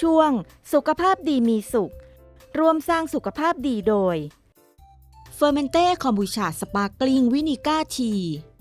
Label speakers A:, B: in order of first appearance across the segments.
A: ช่วงสุขภาพดีมีสุขร่วมสร้างสุขภาพดีโดยเฟอร์เมนเต้คอมบูชาสปาร์กลิงวินิก้าที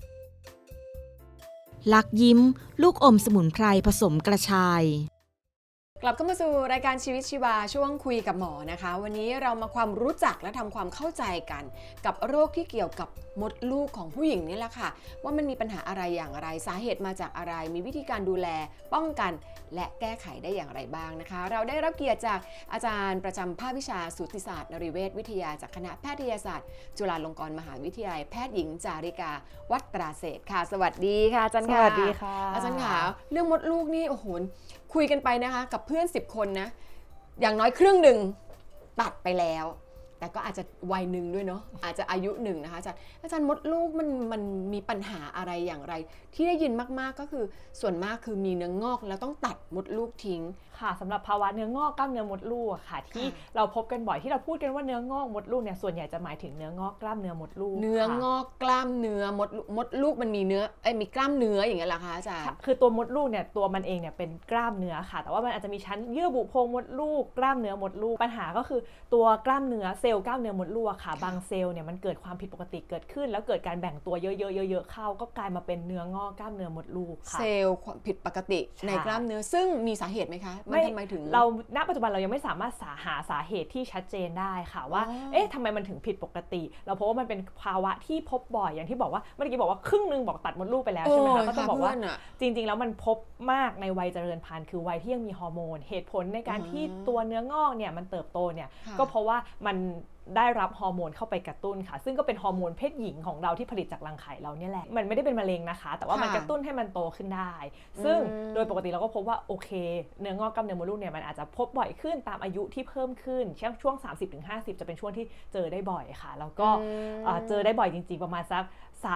A: ลักยิ้มลูกอมสมุนไพรผสมกระชาย
B: กลับเข้ามาสู่รายการชีวิตชีวาช่วงคุยกับหมอนะคะวันนี้เรามาความรู้จักและทำความเข้าใจกันกับโรคที่เกี่ยวกับมดลูกของผู้หญิงนี่แหละค่ะว่ามันมีปัญหาอะไรอย่างไรสาเหตุมาจากอะไรมีวิธีการดูแลป้องกันและแก้ไขได้อย่างไรบ้างนะคะเราได้รับเกียรติจากอาจารย์ประจำภาควิชาสูติศาสตร์นริเวชวิทยาจากคณะแพทยศาสตร์จุฬาลงกรณ์มหาวิทยาลัยแพทย์หญิงจาริกาวัตราเศรษฐ์ค่ะสวัสดีค่ะอาจารย์ค่ะ
C: สวัสดีค่ะ
B: อาจารย์ค่ะเรื่องมดลูกนี่โอ้โหคุยกันไปนะคะกับเพื่อน10 คนนะอย่างน้อยครึ่งหนึ่งตัดไปแล้วแต่ก็อาจจะวัยหนึ่งด้วยเนาะอาจจะอายุหนึ่งนะคะอาจารย์มดลูกมันมีปัญหาอะไรอย่างไรที่ได้ยินมากๆก็คือส่วนมากคือมีเนื้องอกแล้วต้องตัดมดลูกทิ้ง
C: ค่ะสำหรับภาวะเนื้องอกกล้ามเนื้อมดลูกค่ะที่เราพบกันบ่อยที่เราพูดกันว่าเนื้องอกมดลูกเนี่ยส่วนใหญ่จะหมายถึงเนื้องอกกล้ามเนื้อมดลูก
B: เนื้องอกกล้ามเนื้อมดลูกมันมีเนื้อมีกล้ามเนื้ออย่างเงี้ยเหรอคะอาจารย์
C: คือตัวมดลูกเนี่ยตัวมันเองเนี่ยเป็นกล้ามเนื้อค่ะแต่ว่ามันอาจจะมีชั้นเยื่อบุโพรงมดลูกกล้ามเนื้อมดลูกปัญหาก็คือตัวกล้ามเนื้อเซลล์กล้ามเนื้อมดลูกค่ะบางเซลล์เนี่ยมันเกิดความผิดปกติเกิดขึ้นแล้วเกิดการแบ่งตัวเยอะๆเข้าก็กลายมาเป็นเนื้องอกกล้ามเนื้อมดลูกค่ะ
B: เซลล์ผิดปกติในกล้ามเนื้อซึ่งมีสาเหตุไหมคะมันทำไมถึง
C: เราณปัจจุบันเรายังไม่สามารถหาสาเหตุที่ชัดเจนได้ค่ะว่าเอ๊ะทำไมมันถึงผิดปกติเราพบว่ามันเป็นภาวะที่พบบ่อยอย่างที่บอกว่าเมื่อกี้บอกว่าครึ่งนึงบอกตัดมดลูกไปแล้วใช่ไหมคะก็จะบอกว่าจริงๆแล้วมันพบมากในวัยเจริญพันธุ์คือวัยที่ยังมีฮอร์โมนเหตุผลในการที่ตัวเนื้องอกเนี่ยมันเติบโตเนี่ยก็เพราะว่ามันได้รับฮอร์โมนเข้าไปกระตุ้นค่ะซึ่งก็เป็นฮอร์โมนเพศหญิงของเราที่ผลิตจากรังไข่เราเนี่ยแหละมันไม่ได้เป็นมะเร็งนะคะแต่ว่ามันกระตุ้นให้มันโตขึ้นได้ซึ่งโดยปกติเราก็พบว่าโอเคเนื้องอกกล้ามเนื้อมดลูกเนี่ยมันอาจจะพบบ่อยขึ้นตามอายุที่เพิ่มขึ้นช่วง 30-50 จะเป็นช่วงที่เจอได้บ่อยค่ะแล้วก็เจอได้บ่อยจริงๆประมาณสัก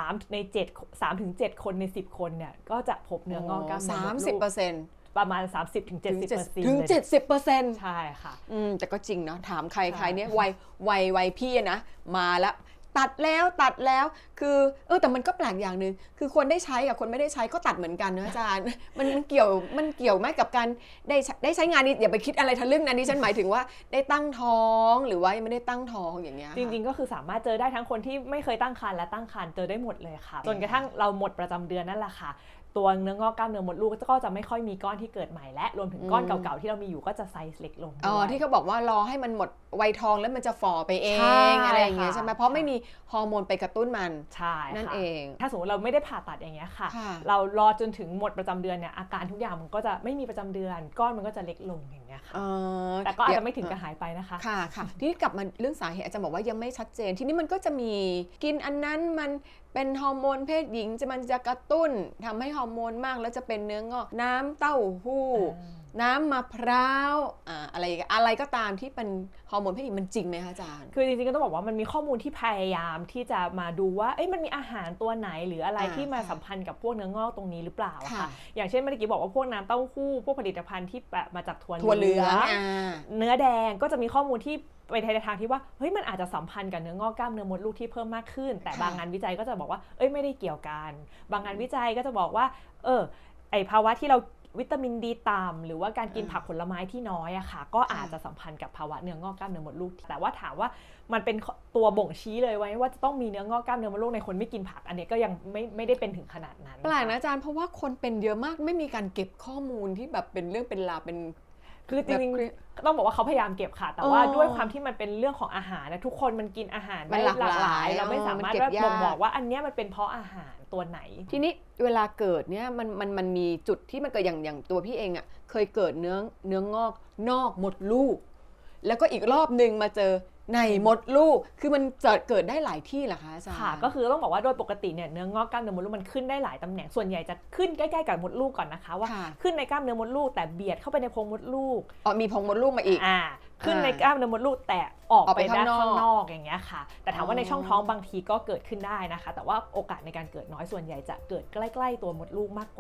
C: 3 ถึง 7 คนใน10 คนเนี่ยก็จะพบเนื้องอกกล้ามเนื้อมดลูกประมาณ 30-70%
B: ถึง 70%
C: ใช่ค่ะ
B: แต่ก็จริงเนาะถามใครเนี่ยวัยพี่นะมาแล้วตัดแล้วคือแต่มันก็แปลกอย่างนึงคือคนได้ใช้กับคนไม่ได้ใช้ก็ตัดเหมือนกันนะอาจารย์มันเกี่ยวไหมกับการได้ใช้งานนี้อย่าไปคิดอะไรทะลึ่งนะนี่ฉันหมายถึงว่าได้ตั้งท้องหรือว่ายังไม่ได้ตั้งท้องอย่างเงี้ย
C: จริงๆก็คือสามารถเจอได้ทั้งคนที่ไม่เคยตั้งครรภ์และตั้งครรภ์เจอได้หมดเลยค่ะจนกระทั่งเราหมดประจำเดือนนั่นแหละค่ะตัวเนื้องอกกล้ามเนื้อมดลูกก็จะไม่ค่อยมีก้อนที่เกิดใหม่และรวมถึงก้อนเก่าๆที่เรามีอยู่ก็จะไซส์เล็กลง
B: ที่เขาบอกว่ารอให้มันหมดวัยทองแล้วมันจะฝ่อไปเองอะไรอย่างเงี้ยใช่ไหมเพราะไม่มีฮอร์โมนไปกระตุ้นมัน
C: ใช่
B: นั่นเอง
C: ถ้าสมมติเราไม่ได้ผ่าตัดอย่างเงี้ยค่ะเรารอจนถึงหมดประจำเดือนเนี่ยอาการทุกอย่างมันก็จะไม่มีประจำเดือนก้อนมันก็จะเล็กลงอย่างเงี้ยค่ะแต่ก็อาจจะไม่ถึงกับหายไปนะคะ
B: ค่ะที่กลับมาเรื่องสาเหตุอาจารย์บอกว่ายังไม่ชัดเจนทีนี้มันก็จะมีกินอันนั้นมันเป็นฮอร์โมนเพศหญิงมันจะกระตุ้นทำให้ฮอร์โมนมากแล้วจะเป็นเนื้องอกน้ำเต้าหู้น้ำมะพร้าวอะไรก็ตามที่เป็นฮอร์โมนเพศหญิงมันจริงไหมคะอาจารย์
C: คือจริงๆก็ต้องบอกว่ามันมีข้อมูลที่พยายามที่จะมาดูว่ามันมีอาหารตัวไหนหรืออะไรที่มาสัมพันธ์กับพวกเนื้องอกตรงนี้หรือเปล่าค่ะอย่างเช่นเมื่อกี้บอกว่าพวกน้ำเต้าหู้พวกผลิตภัณฑ์ที่มาจากถั่วเหลืองเนื้อแดงก็จะมีข้อมูลที่ไปในทางที่ว่ามันอาจจะสัมพันธ์กับเนื้องอกกล้ามเนื้อมดลูกที่เพิ่มมากขึ้นแต่บางงานวิจัยก็จะบอกว่าไม่ได้เกี่ยวกันบางงานวิจัยก็จะบอกว่าภาวะที่เราวิตามินดีต่ำหรือว่าการกินผักผลไม้ที่น้อยอะค่ะก็อาจจะสัมพันธ์กับภาวะเนื้องอกกล้ามเนื้อมดลูกแต่ว่าถามว่ามันเป็นตัวบ่งชี้เลยว่าจะต้องมีเนื้องอกกล้ามเนื้อมดลูกในคนไม่กินผักอันนี้ก็ยังไม่ได้เป็นถึงขนาดนั้น
B: แปลกนะอาจารย์เพราะว่าคนเป็นเยอะมากไม่มีการเก็บข้อมูลที่แบบเป็นเรื่องเป็นราวเป็น
C: คือจริงๆต้องบอกว่าเขาพยายามเก็บค่ะแต่ว่าด้วยความที่มันเป็นเรื่องของอาหารนะทุกคนมันกินอาหารได้หลากหลายเราไม่สามารถบ่งบอกว่าอันนี้มันเป็นเพราะอาหารตัวไหน
B: ทีนี้เวลาเกิดเนี่ยมันมีจุดที่มันเกิดอย่างตัวพี่เองอ่ะเคยเกิดเนื้องอกนอกมดลูกแล้วก็อีกรอบนึงมาเจอในมดลูกคือมันจะเกิดได้หลายที่เหรอคะอาจารย์
C: ค่ะก็คือต้องบอกว่าโดยปกติเนี่ยเนื้องอกกล้ามเนื้อมดลูกมันขึ้นได้หลายตำแหน่งส่วนใหญ่จะขึ้นใกล้ๆกับมดลูกก่อนนะคะว่าขึ้นในกล้ามเนื้อมดลูกแต่เบียดเข้าไปในโพรงมดลูก
B: มีโพรงมดลูกมาอีก
C: ขึ้นในกล้ามเนื้อมดลูกแต่ออกไปด้านข้างนอกอย่างเงี้ยค่ะแต่ถามว่าในช่องท้องบางทีก็เกิดขึ้นได้นะคะแต่ว่าโอกาสในการเกิดน้อยส่วนใหญ่จะเกิดใกล้ๆตัวมดลูกมากกว่า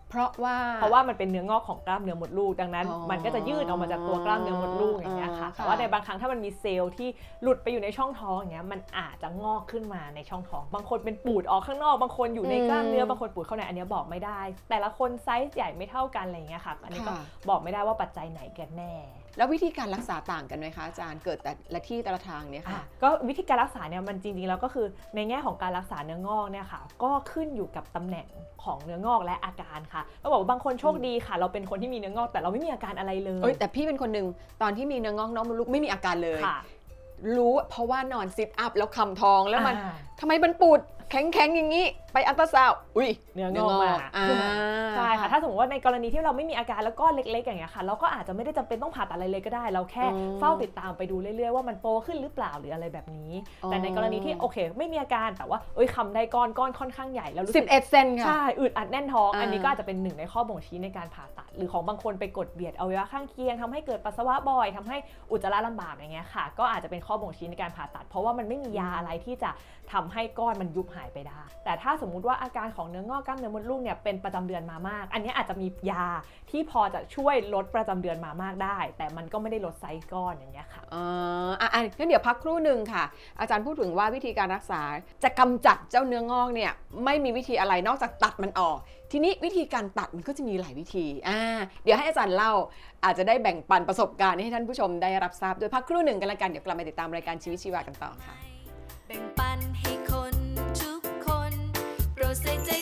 B: เพราะว่า
C: มันเป็นเนื้องอกของกล้ามเนื้อมดลูกดังนั้นมันก็จะยืดออกมาจากตัวกล้ามเนื้อมดลูกอย่างเงี้ยค่ะแต่ว่าในบางครั้งถ้ามันมีเซลล์ที่หลุดไปอยู่ในช่องท้องอย่างเงี้ยมันอาจจะงอกขึ้นมาในช่องท้องบางคนเป็นปูดออกข้างนอกบางคนอยู่ในกล้ามเนื้อบางคนปูดเข้าในอันนี้บอกไม่ได้แต่ละคนไซส์ใหญ่ไม่เท่ากันอะไรอย่างเงี้ยค่ะอันนี้ก็บอกไม่ได้ว่าปัจจัยไหนกันแน่
B: แล้ววิธีการรักษาต่างกันไหมคะอาจารย์เกิดแต่ละที่แต่ละทางเนี่ยค่ะ
C: ก็วิธีการรักษาเนี่ยมันจริงๆแล้วก็คือในแง่ของการรักษาเนื้องอกเนี่ยค่ะก็ขึ้นอยู่กับตำแหน่งของเนื้องอกและอาการค่ะเราบอกว่าบางคนโชคดีค่ะเราเป็นคนที่มีเนื้องอกแต่เราไม่มีอาการอะไรเลย
B: แต่พี่เป็นคนหนึ่งตอนที่มีเนื้องอกน้องมดลูกไม่มีอาการเลยรู้เพราะว่านอนซิทอัพแล้วคำท้องแล้วมันทำไมมันปูดแข็งๆอย่างนี้ไปอัลตราซาวด์
C: เนื้องอกมาใช่ค่ะถ้าสมมติว่าในกรณีที่เราไม่มีอาการแล้วก็เล็กๆอย่างเงี้ยค่ะเราก็อาจจะไม่ได้จำเป็นต้องผ่าตัดอะไรเลยก็ได้เราแค่เฝ้าติดตามไปดูเรื่อยๆว่ามันโตขึ้นหรือเปล่าหรืออะไรแบบนี้แต่ในกรณีที่โอเคไม่มีอาการแต่ว่าคำได้ก้อนค่อนข้างใหญ่แล้วรู้สึก
B: 11 เซนค่ะ
C: ใช่อึดอัดแน่นท้องอันนี้ก็อาจจะเป็นหนึ่งในข้อบ่งชี้ในการผ่าตัดหรือของบางคนไปกดเบียดอวัยวะข้างเคียงทำให้เกิดปัสสาวะบ่อยทำให้อุจจาระลำบากอย่างเงี้ยค่ะก็อาจจะเป็นข้อบ่งชี้ในการผ่าตัดเพราะว่ามันไม่มียาอะไรที่จะทำให้ก้อนมันยุบหายไปได้แต่ถ้าสมมุติว่าอาการของเนื้องอกกล้ามเนื้อมดลูกเนี่ยเป็นประจำเดือนมามากอันนี้อาจจะมียาที่พอจะช่วยลดประจำเดือนมามากได้แต่มันก็ไม่ได้ลดไซส์ก้อนอย่างเงี้ยค่ะ
B: งั้นเดี๋ยวพักครู่หนึ่งค่ะอาจารย์พูดถึงว่าวิธีการรักษาจะกำจัดเจ้าเนื้องอกเนี่ยไม่มีวิธีอะไรนอกจากตัดมันออกทีนี้วิธีการตัดมันก็จะมีหลายวิธีเดี๋ยวให้อาจารย์เล่าอาจจะได้แบ่งปันประสบการณ์ให้ท่านผู้ชมได้รับทราบโดยพักครู่หนึ่งกันละกันเดี๋ยวกลับมาติดตามรายการชีวิตชีวากันต่อค่ะ
D: แบ่งปันให้คนทุกคนโปรดใส่ใจ